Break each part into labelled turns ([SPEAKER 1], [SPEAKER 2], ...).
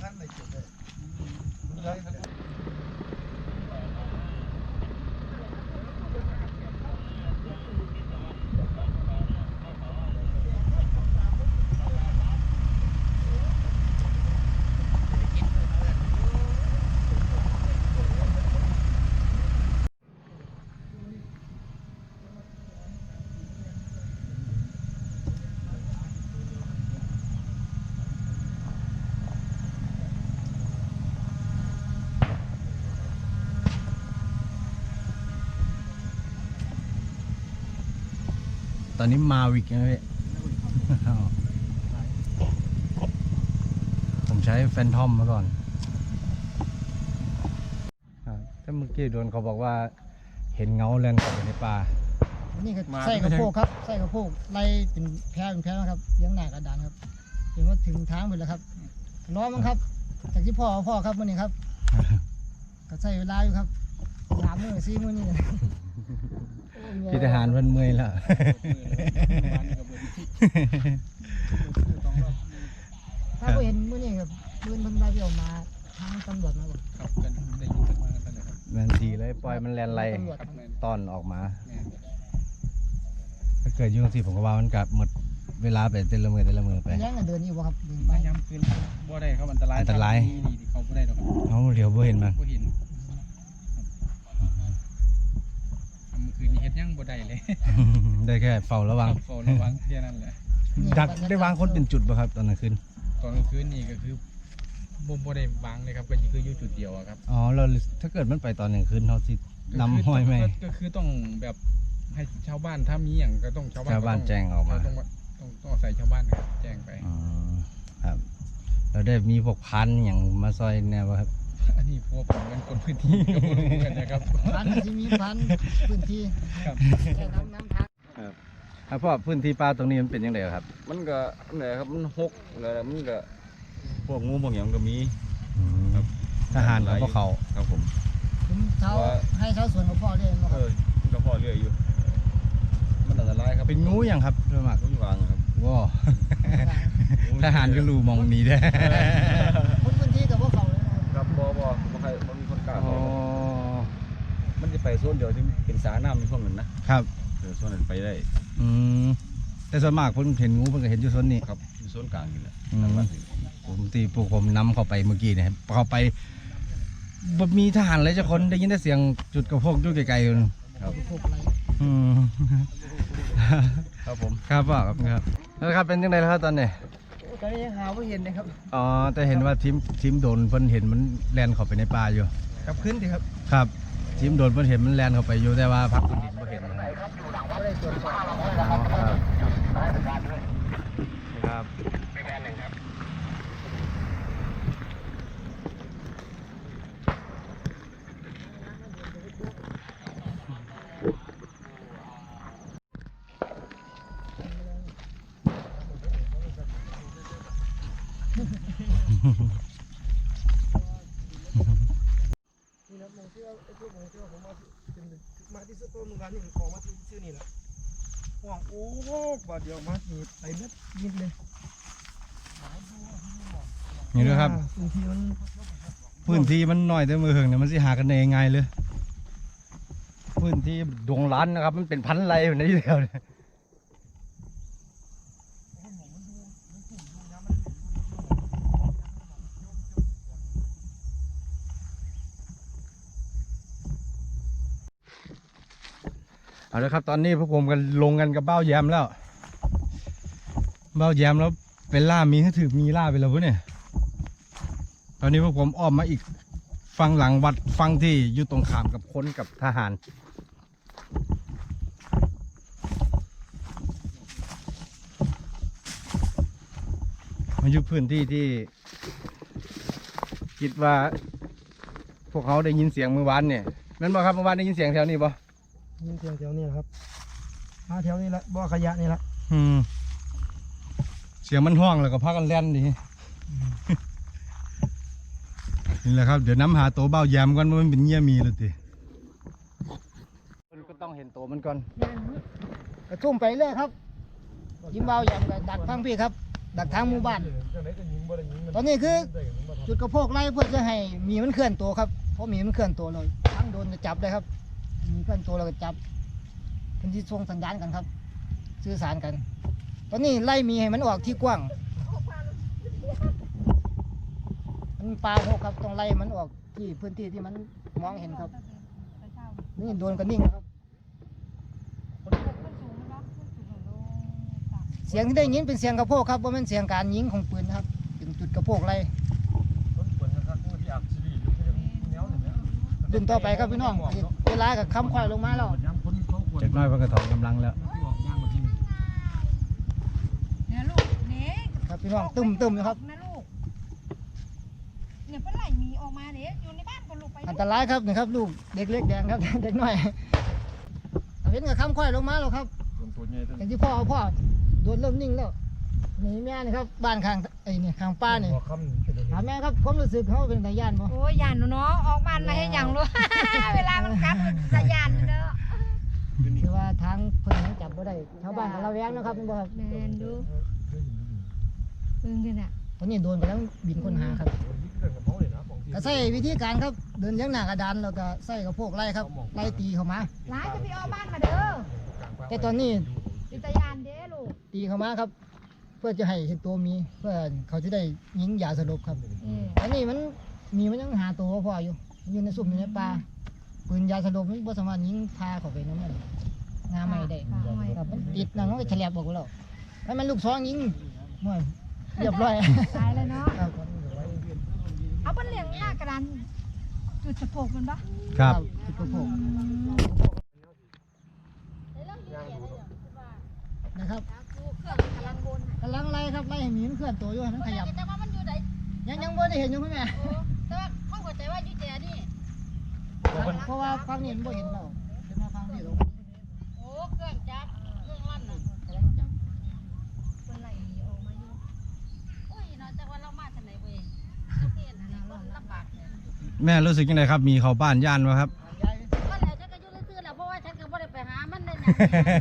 [SPEAKER 1] ตอนนี้มาวิกนะพี่ ผมใช้แฟนทอมมาก่อนถ้าเมื่อกี้โดนเขาบอกว่าเห็นเงาแล่นเข้าไปในป่า
[SPEAKER 2] นี่ก็ใส่กระโปงครับใส่กระโปงไล่เป็นแพร่นะครับเลี้ยงหน้ากระดานครับเห็นว่าถึงทางไปแล้วครับล้อมั้งครับจากที่พ่อครับวันนี้ครับก็ใส่เวลาอยู่ครับ3 มื้อ4 มื้อนี่
[SPEAKER 1] พี่ทหารมันเมื่อยแล้ว
[SPEAKER 2] ถ้าเห็นมื้อนี้ครับปืนมันได้ออกมาทางตำรวจมาบอก
[SPEAKER 3] ครับกันได้ยินกันมากันเลยครับ
[SPEAKER 1] แมนดีเลยปล่อยมันแลนไล่ตอนออกมาถ้าเกิดยุ่งสิผมก็ว่ามันกลับหมดเวลาไปเต้นละมือไป
[SPEAKER 2] แย่งกันเดินอยู่บ่ครับเดินไป
[SPEAKER 3] ย้ำคืนบ่ได้ครับอันตรายนี่เขาบ่ได้หรอก
[SPEAKER 1] เขาเดี๋ยวบ่เห็นมัน
[SPEAKER 3] บ่เห็นคืนนี้เฮ็ดยังบ่ได้เลย
[SPEAKER 1] ได้แค่เฝ้าระวัง
[SPEAKER 3] แค่นั้นแหละ
[SPEAKER 1] ดักได้วางคนเป็นจุดป่ะครับตอนกลางคืน
[SPEAKER 3] นี่ก็คือบ่ได้วางเลยครับก็คืออยู่จุดเดียวครับ
[SPEAKER 1] อ๋อเราถ้าเกิดมันไปตอนกลางคืนเขาสินำห้อยไหม
[SPEAKER 3] ก็คือต้องแบบให้ชาวบ้านถ้ามีอย่างก็ต้องชาวบ้าน
[SPEAKER 1] แจ้งออกมา
[SPEAKER 3] ต้องใส่ชาวบ้านครับแจ้งไป
[SPEAKER 1] ครับเราได้มีพวกพันอย่างมาซอยแนวครับ
[SPEAKER 3] อันนี้พวกผมเป็นคนพื้นที่ก็รู้กันนะครับ
[SPEAKER 2] พันที่มีพันพื้นที่
[SPEAKER 3] ครับ
[SPEAKER 2] น้ำทาง
[SPEAKER 1] ครับพ่อพื้นที่ป่าตรงนี้มันเป็นยังไงครับ
[SPEAKER 4] มันก็เนี่ยครับมันหกอะไรมันก็พวกงูพวกอย่างก็มี
[SPEAKER 1] ครับทหารกับพวกเขา
[SPEAKER 4] ครับผม
[SPEAKER 2] ให้เช้าสวนกับพ่อเรื่อยมั้งครับ
[SPEAKER 4] มันก็พ่อเรื่อยอยู่มันอันตรายครับ
[SPEAKER 1] เป็นงูอย่างครับโดยมาก
[SPEAKER 4] งูวางครับ
[SPEAKER 1] ว้าทหารก็รู้มองนี้ได้
[SPEAKER 2] พื้นที่กับพวกเขาเลย
[SPEAKER 4] ครับบ่มีคนกล้ามันจะไปโซนเดียวที่เป็นสาน้ำมีช่วงหนึ่งนะครับโซนนั้นไปได้
[SPEAKER 1] แต่ส่วนมากผมเห็นงูผมก็เห็นอยู่โซนนี้
[SPEAKER 4] ครับอยู่โซนกลางนี่แหละ
[SPEAKER 1] ผมนำเข้าไปเมื่อกี้เนี่ยเข้าไปมีทหารอะไรจะคนได้ยินแต่เสียงจุดกระพกอยู่ไกลๆอยู่
[SPEAKER 4] ครับครับผม
[SPEAKER 1] ครับพ่อครับแล้วครับเป็นยังไงแล้วครับตอนนี้
[SPEAKER 2] ตอนนี้ยังหาไม่เห็นเลยครับ
[SPEAKER 1] อ๋อแต่เห็นว่าทีมโดนเพิ่นเห็นมันแลนเข้าไปในป่าอยู่
[SPEAKER 2] ครับขึ้นดิครับ
[SPEAKER 1] ครับทีมโดนเพิ่นเห็นมันแลนเข้าไปอยู่แต่ว่าพักพื้นดินไม่เห็น
[SPEAKER 2] ไม่ได้ตรวจสอบ
[SPEAKER 1] ครับ
[SPEAKER 2] มาที่สุดตัวมึงกันนี่ขอมาที่ชื่อนี่แหละห่วงโอ้บาดเดียวมาหีบไปเม็ดยิบเลย
[SPEAKER 1] นี่ด้วยครับพื้นที่มันน้อยแต่มือเหิงเนี่ยมันสิหากันได้ง่ายเลยพื้นที่ดวงล้านนะครับมันเป็นพันไร่อยู่ในที่เดียวเนี่ยเอาละครับตอนนี้พวกผมกันลงกันกับเบ้าแยมแล้วเป็นล่ามีให้ถือมีล่าไปแล้วพวกเนี่ยตอนนี้พวกผมอ้อมมาอีกฝั่งหลังวัดฝั่งที่อยู่ตรงข้ามกับคนกับทหารมาอยู่พื้นที่ที่คิดว่าพวกเขาได้ยินเสียงเมื่อวานเนี่ยนั่นบ่ครับเมื่อวานได้ยินเสียงแถวนี้บ่
[SPEAKER 2] ยินเสียงแถวนี้ครับแถวนี้ละบ่อขยะนี่ละ
[SPEAKER 1] เสียงมันห้องแล้วก็พากันแล่นดินี่แหละครับเดี๋ยวน้ำหาตัวเบ้าแยมกันว่ามันเป็นเงี้ยมีเลยทีก็ต้องเห็นตัวมันก่อน
[SPEAKER 2] กระทุ่มไปเลยครับยิ้มเบ้าแยมกับดักทางพี่ครับดักทางหมู่บ้านตอนนี้คือจุดกระโพกไล่เพื่อจะให้มีมันเคลื่อนตัวครับเพราะมีมันเคลื่อนตัวเราทั้งโดนจะจับได้ครับมีเคลื่อนตัวเราก็จับเป็นที่ส่งสัญญาณกันครับสื่อสารกัน ตอนนี้ไล่มีให้มันออกที่กว้างมันปลาหกครับต้องไล่มันออกที่พื้นที่ที่มันมองเห็นครับนี่โดนกันนิ่งครับเสียงที่ได้ยินเป็นเสียงกระโพกครับว่าเป็นเสียงการยิงของปืนนะครับเป็นจุดกระโพกไล่ดึงต่อไปครับพี่น้องเวลากับคำควายลงมาแล้ว
[SPEAKER 1] จากน้อยเพิ่นก็ถอนกำลังแล้ว
[SPEAKER 5] เนี่ยลูกเนี่ย
[SPEAKER 2] ครับพี่น้องตึมนะครับ
[SPEAKER 5] นะลูกเนี่ยเพิ่นไล่หมีออกมาเด้อยู่ในบ้านก็ลูกไป
[SPEAKER 2] อันตรายครับนี่ครับลูกเด็กเล็กแดงครับ เด็กน้อยเห็นกับคำควายลงมาแล้วครับอย่างที่พ่อโดนเริ่มนิ่งแล้วนี่แม่นี่ครับบ้านข้างไอ้นี่ข้างป้านี่ถามแม่ครับความรู้สึกเขาเป็นตาย่านบ่
[SPEAKER 5] โอ้ยยานเนาะออกบ้านมาให้หยังลูก เวลามันกัดมันสะยานเด้อ
[SPEAKER 2] คือว่าทางเพิ่นยังจับบ่ได้ชาวบ้านกับเราแวงนะครับเป็นบ่ครับ
[SPEAKER 5] แม่นดูเพิ่งกันน่ะ
[SPEAKER 2] ตอนนี้โดนไปแล้วบินค้นหาครับก็ใช้วิธีการครับเดินยังหน้ากระดานแล้วก็ใส่กระโพกไล่ครับไล่ตีเข้ามา
[SPEAKER 5] หลายจะไปออกบ้านมาเด้อ
[SPEAKER 2] แต่ตอนนี้
[SPEAKER 5] เป็นสะยานเด้ลูก
[SPEAKER 2] ตีเข้ามาครับ เพื่อจะให้เห็นตัวมีเพื่อเขาจะได้ยิงยาสลบครับ อันนี้มันยังหาตัวบ่พออยู่ในซุ่มอยู่ในป่าปืนยาสลบมันบ่สามารถยิงพาเข้าไปนั่นงาไม่ได้ครับมันติดนั่นมันก็แฉลบออกแล้วแล้วมันลูกซองยิงมั่วเรียบร้อย
[SPEAKER 5] ตายเลยเนาะ
[SPEAKER 2] ครับ
[SPEAKER 5] เอาเพิ่นเลี้ยงหน้ากระดานจุดสะโพกมันบ่
[SPEAKER 1] ครับ
[SPEAKER 2] ติดกระโปรงนะครับ
[SPEAKER 5] เครื่องกำลังบน
[SPEAKER 2] กำลังไล่ครับไล่ให้หมีมันเคลื่อนตัวอยู่ให้มันขยับ
[SPEAKER 5] แต่ว่ามันอยู่ไหน
[SPEAKER 2] ยังบ่ได้เห็นอยู่คุณแม่
[SPEAKER 5] แต่ว่าเขาเข้าใจว่าอยู่แต่นี่
[SPEAKER 2] เพราะว่าฟังนี่มันบ่เห็นเราเดี๋ยวมาฟังนี่ลง
[SPEAKER 5] โอ้เครื่องจับเครื่องลั่นน่ะ
[SPEAKER 2] กำลังจับ
[SPEAKER 5] เพิ่นไล่ออกมาอยู่โอ้ยเนาะแต่ว่าเรามาทางไหนเว้ยเฮ็ดอันนั้นลำบากเนี่ย
[SPEAKER 1] แม่รู้สึกยังไงครับมีเขาบ้านย่านวะครับ
[SPEAKER 2] ย้าย
[SPEAKER 5] มันแล้วฉันก็อยู่ซื่อๆแหละเพราะว่าฉันก็บ่ได้ไปหามันได้หยัง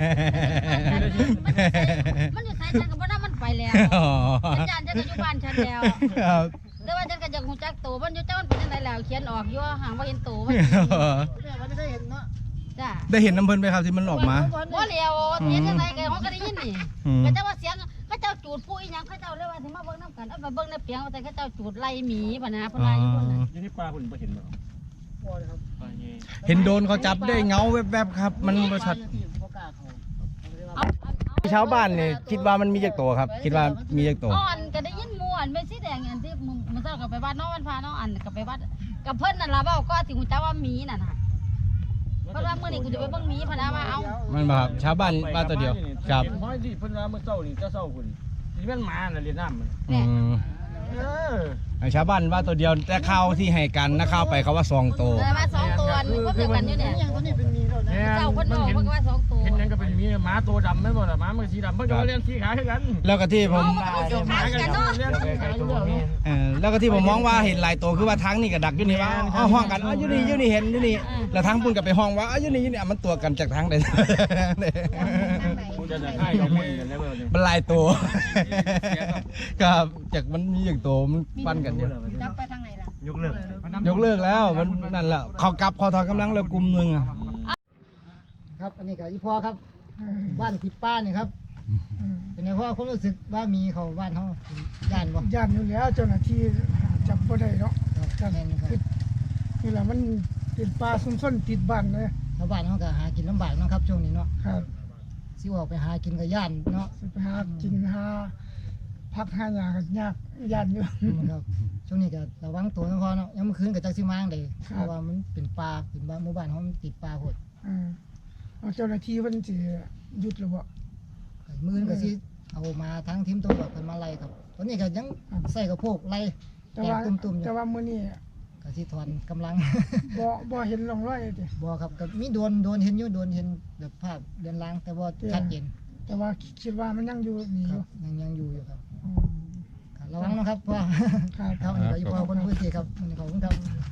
[SPEAKER 5] มันอยู่ไสฉันก็บ่ได้มันไปแล้ว
[SPEAKER 1] อ๋อ
[SPEAKER 5] ฉันย่านฉันก็อยู่บ้านฉันแล้ว
[SPEAKER 1] ครับ
[SPEAKER 5] แต่ว่าฉันก็จะฮู้จักตัวมันอยู่จังมันเป็นจังไดแล้วเขียนออกอยู่ห่างบ่เห็นตัวมัน
[SPEAKER 2] แม่มันไม่ได้เห็นเนาะ
[SPEAKER 5] จ้ะ
[SPEAKER 1] ได้เห็นน้ำเพิ่นไหมครับที่มันออกมา
[SPEAKER 5] บ่แล้วเห็นจังไดก็เขาก็ได้ยินนี่
[SPEAKER 1] อืม
[SPEAKER 5] ก็จะว่าเสียงเขาเจ้าจูดผู้อีหยังเขาเจ้าเลยว่าสิมาเบิ่งนํกันเอาไปเบิ่งในเปียงว่าแต่เขาเจ้าจูดไล่หมีปะนะเพิ่นว่าอยู่พุ่นน่ะ
[SPEAKER 4] อยู่ที่ปลาคุณบ่เห็นบ่
[SPEAKER 2] พอเลยครับ
[SPEAKER 4] ปลาเงี้ย
[SPEAKER 1] เห็นโดนเขาจับได้เงาแวบๆครับ มันบ่ชัด
[SPEAKER 2] บ่กล้าเข้า
[SPEAKER 5] เอา
[SPEAKER 1] ชาวบ้านนี่คิดว่ามันมีจักตัวครับ คิดว่ามีจักตัว
[SPEAKER 5] อ่อนก็ได้ยินหมู่อันเป็นสีแดงอันที่มื้อเช้าก็ไปวัดเนาะวันพาเนาะอันก็ไปวัดกับเพิ่นนั่นล่ะเว้าก็สิฮู้จักว่าหมีนั่นน่ะเพราะว่ามื้อนี้กูจะไปเบิ่งหมีพะนะมาเอา
[SPEAKER 1] มันบ่ครับชาวบ้านบ้านตัวเดียวครับ
[SPEAKER 4] เห็นห้อยที่เพิ่นว่าเมื่อเช้านี่จะเช้าคุณนี่มันหมาน่ะเรียนน้ำมัน
[SPEAKER 1] อืม ชาวบ้านว่าตัวเดียวแต่ข้าวที่ให้กันนะข้าวไปเขาว่า2ตัว
[SPEAKER 5] ได้มา2ตัวนี่เพิ่นเดียวกันอยู่เนี่ย
[SPEAKER 2] อย่างตัวนี้เป็นมีแล้วนะ
[SPEAKER 5] เจ้าเพิ่นบอกเพิ่นก็ว่า2ตัว
[SPEAKER 4] เห็นหยังก็เป็นมีหมาตัวดำแม่นบ่ล่ะหมามันสีดำเพิ่นก็เรียนสีขาวคือกัน
[SPEAKER 1] แล้วก็ที่ผม
[SPEAKER 5] เอาเจ้าขากันเนาะ
[SPEAKER 4] เรียนสีขาวอยู่แล้ว
[SPEAKER 1] แล้วก็ที่ผมมองว่าเห็นหลายตัวคือว่าทั้งนี่กับดักอยู่นี่ว่าห้องกันอยู่นี่อยู่นี่เห็นอยู่นี่แล้วทั้งปุ่นกับไปห้องว่าอยู่นี่อยู่นี่มันตัวกันจากทั้งเลย
[SPEAKER 4] กูจะให้กับมึงกันแล้วเบิ่ง
[SPEAKER 1] มันหลายตัวครับจากมันมีอย่างตัวมันปั้นกันอยู่
[SPEAKER 5] จับไปทางไหนล่ะ
[SPEAKER 4] ยกเลิก
[SPEAKER 1] ยกเลิกแล้วมันนั่นแหละเขากลับเขาถอนกำลังแล้วกลุ่มหนึงอะ
[SPEAKER 2] ครับอันนี้ก็อีพ่อครับบ้านติดป้านี่ครับเป็นไงพ่อความรู้สึกว่ามีเขาบ้านเขาย่านบ่
[SPEAKER 6] ย่านอยู่แล้วเจ้าหน้าที่จับบ่ได้เนาะ
[SPEAKER 2] ครับแม่นครับ
[SPEAKER 6] นี่แหละมันเป็นป่าซุ่มซ่อนติดบ้านเลย
[SPEAKER 2] ชาวบ้านเขาก็หากินลำบากเนาะครับช่วงนี้เนาะ
[SPEAKER 6] ครับ
[SPEAKER 2] สิออกไปหากินกับย่านเนาะ
[SPEAKER 6] สิไปหากินหาพักหาหญ้าก็ยากย่านอยู่
[SPEAKER 2] ครับช่วงนี้ก็ระวังตัวนะพ่อเนาะยังเมื่อคืนก็จักสิมาจั่งใด
[SPEAKER 6] ครับ
[SPEAKER 2] เพราะว่ามันเป็นป่าเป็นบ้านหมู่บ้านเขามันติดป่าโหด
[SPEAKER 6] เอาเจ้าหน้าที่เพิ่นสิหยุดหรือบ่
[SPEAKER 2] มื้อนี้ก็สิเอามาทั้งทีมตำรวจเพิ่นมาไล่ครับตอนนี้ก็ยังใส่กระโพกไล่
[SPEAKER 6] แต่
[SPEAKER 2] แตก
[SPEAKER 6] ว่า
[SPEAKER 2] ตุ่มๆอยู่
[SPEAKER 6] แต่ว่ามื้อนี้
[SPEAKER 2] ก็สิถอนกำลัง
[SPEAKER 6] บ่เห็นร่องรอยติ
[SPEAKER 2] บ่ครับก็มีโดนเห็นอยู่โดนเห็นแบบภาพเดือนลางแต่บ่ชัดเจน
[SPEAKER 6] แต่ว่าคิดว่ามันยังอยู่นี่
[SPEAKER 2] ค
[SPEAKER 6] อ
[SPEAKER 2] รั
[SPEAKER 6] ยู่
[SPEAKER 2] บยังอยู่อยู่ครับ
[SPEAKER 6] อืม
[SPEAKER 2] ครับระวังนะครับพ่อ
[SPEAKER 6] ครับ
[SPEAKER 2] ครับอันนี้ก็อยู่พ่อคนพื้นที่ครับอันนี้ขอบคุณครับ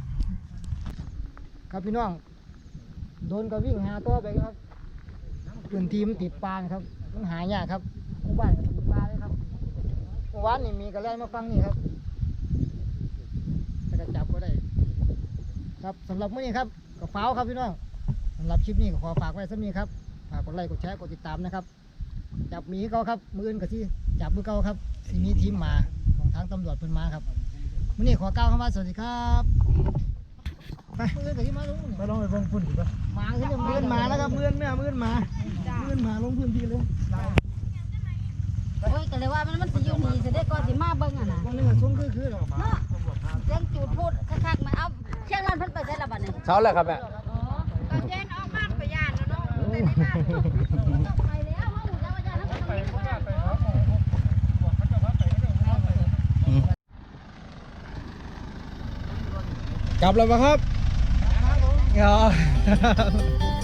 [SPEAKER 2] ครับพี่น้องโดนก็วิ่งหาตัวไปครับพื้นที่มันติดปลานะครับมันหายากครับหมู่บ้านก็ติดปลาเลยครับเมื่อวานนี่มีกระแลมาฟังนี่ครับครับสำหรับมื้อนี้ครับก็ฟ้าวครับพี่น้องสำหรับคลิปนี้ก็ขอฝากไว้สักนี้ครับฝากกดไลค์กดแชร์กดติดตามนะครับจับหมีเขาครับมืออื่นก็ที่จับมือเก่าครับสิมีทีมมาของทางตำรวจเพิ่นมาครับมื้อนี้ขอกล่าวคำว่าสวัสดีครับไปมืออื่นก็ที่มาลงไปลองไปเบิ่งฝุ่นดีป่ะมาขึ้นมืออื่นมาแล้วครับมืออื่นมืออื่นมาลงพื้นที่เลย
[SPEAKER 5] โอ้ยก็เลยว่ามันสิอยู่นี่สิได้ก่อนสิมาเบิ่งอ่ะนะ
[SPEAKER 2] วันนี้ก็ซุ้มคือหรอ
[SPEAKER 5] เนาะเสียงจูดพูดคักๆมาเอาเชียงรานเพิ่นไปได้ละบัดนี้
[SPEAKER 4] เช้าแล้วครับแม่
[SPEAKER 5] อ๋อก็แจ้งออกบ้านไปย่านแล้วเนาะไปแล้วเฮาหูแล้วว่าย่านเฮาก็ต้องมีคน
[SPEAKER 1] กลับแล้วปะครับ